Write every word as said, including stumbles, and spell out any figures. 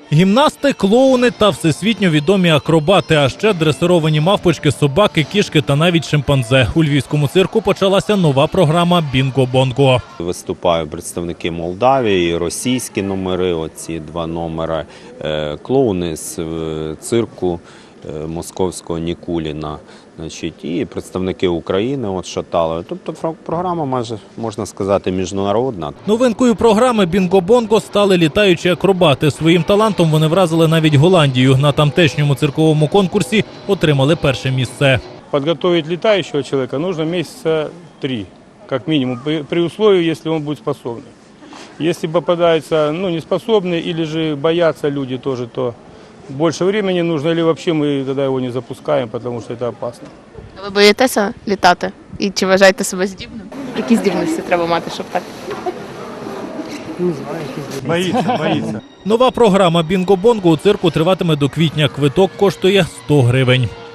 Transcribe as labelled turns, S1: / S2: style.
S1: Гімнасти, клоуни та всесвітньо відомі акробати, а ще дресировані мавпочки, собаки, кішки та навіть шимпанзе. У львівському цирку почалася нова програма «Бінго-бонго».
S2: Виступають представники Молдавії, російські номери, оці два номери, клоуни з цирку московського Нікуліна, значить, і представники України от Шаталова. Тобто програма майже, можна сказати, міжнародна.
S1: Новинкою програми «Бінго-бонго» стали літаючі акробати. Своїм талантом вони вразили навіть Голландію. На тамтешньому цирковому конкурсі отримали перше місце.
S3: Подготовить летающего человека нужно месяца три, как минимум, при условии, если он будет способный. Если попадаются ну, неспособные или же боятся люди тоже, то больше времени нужно, или вообще мы тогда его не запускаем, потому что это опасно.
S4: Ви боїтеся літати? І чи вважаєте себе здібним? Які здібності треба мати, щоб так?
S3: Боится, боится.
S1: Нова програма «Бінго-бонго» у цирку триватиме до квітня. Квиток коштує сто гривень.